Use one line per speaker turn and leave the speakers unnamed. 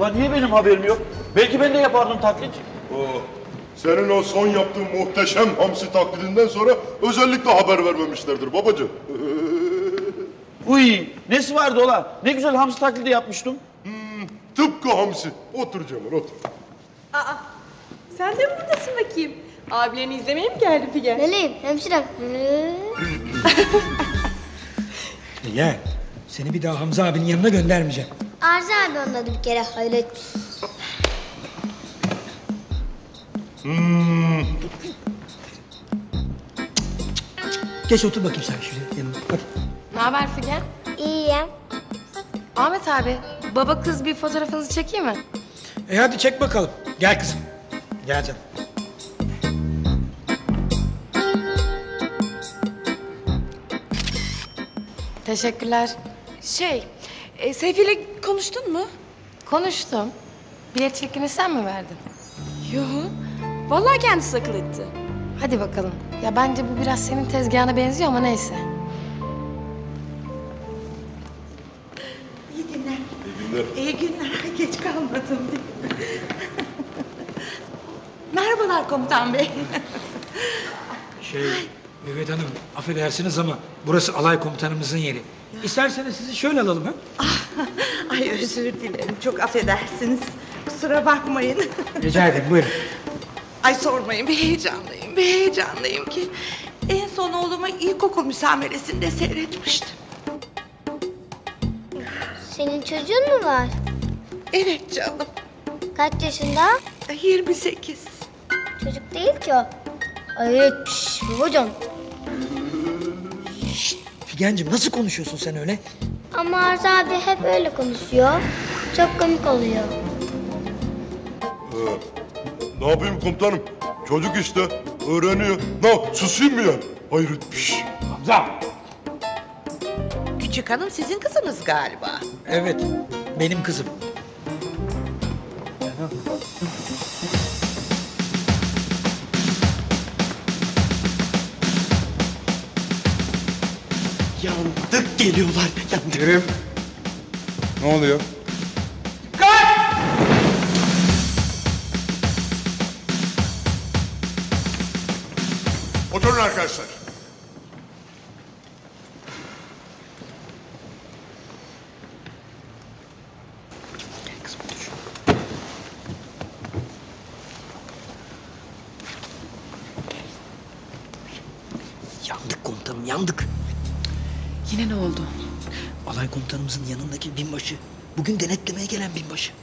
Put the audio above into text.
Ulan niye benim haberim yok? Belki ben de yapardım taklit.
Senin o son yaptığın muhteşem hamsi taklidinden sonra özellikle haber vermemişlerdir babacığım.
Uy, nesi vardı ola? Ne güzel hamsi taklidi yapmıştım.
Tıpkı hamsi. Otur Cemal otur.
Aa, sen de mi buradasın bakayım? Abilerini izlemeye mi geldin Figen?
Meleğim, hemşirem.
Gel. Seni bir daha Hamza abinin yanına göndermeyeceğim.
Arzu abi anladı bir kere, hayret.
Geç otur bakayım sen şuraya yanına. Hadi.
Ne haber Figen?
İyiyim.
Ahmet abi, baba kız bir fotoğrafınızı çekeyim mi?
Hadi çek bakalım. Gel kızım. Gel canım.
Teşekkürler.
Seyfi ile konuştun mu?
Konuştum. Bilet çekini sen mi verdin?
Yo. Vallahi kendisi akıl etti.
Hadi bakalım. Ya bence bu biraz senin tezgahına benziyor ama neyse.
İyi günler.
İyi günler.
İyi günler. Geç kalmadım değil mi? Merhabalar komutan bey.
Mehmet Hanım affedersiniz ama burası alay komutanımızın yeri. İsterseniz sizi şöyle alalım ha?
Ay özür dilerim. Çok affedersiniz. Kusura bakmayın.
Rica ederim buyurun.
Ay sormayın, bir heyecanlıyım. Bir heyecanlıyım ki. En son oğlumu ilkokul müsameresinde seyretmiştim.
Senin çocuğun mu var?
Evet canım.
Kaç yaşında?
28.
Çocuk değil ki o. Hayret, hocam.
Figencim nasıl konuşuyorsun sen öyle?
Ama Arzu abi hep öyle konuşuyor. Çok komik oluyor.
Ne yapayım komutanım? Çocuk işte öğreniyor. Susayım mı ya? Hayret bir şey.
Hamza.
Küçük hanım sizin kızınız galiba.
Evet benim kızım.
Yandık geliyorlar. Yandık.
Kerim. Ne oluyor?
Oturun arkadaşlar.
Yandık komutanım yandık.
Yine ne oldu?
Alay komutanımızın yanındaki binbaşı. Bugün denetlemeye gelen binbaşı.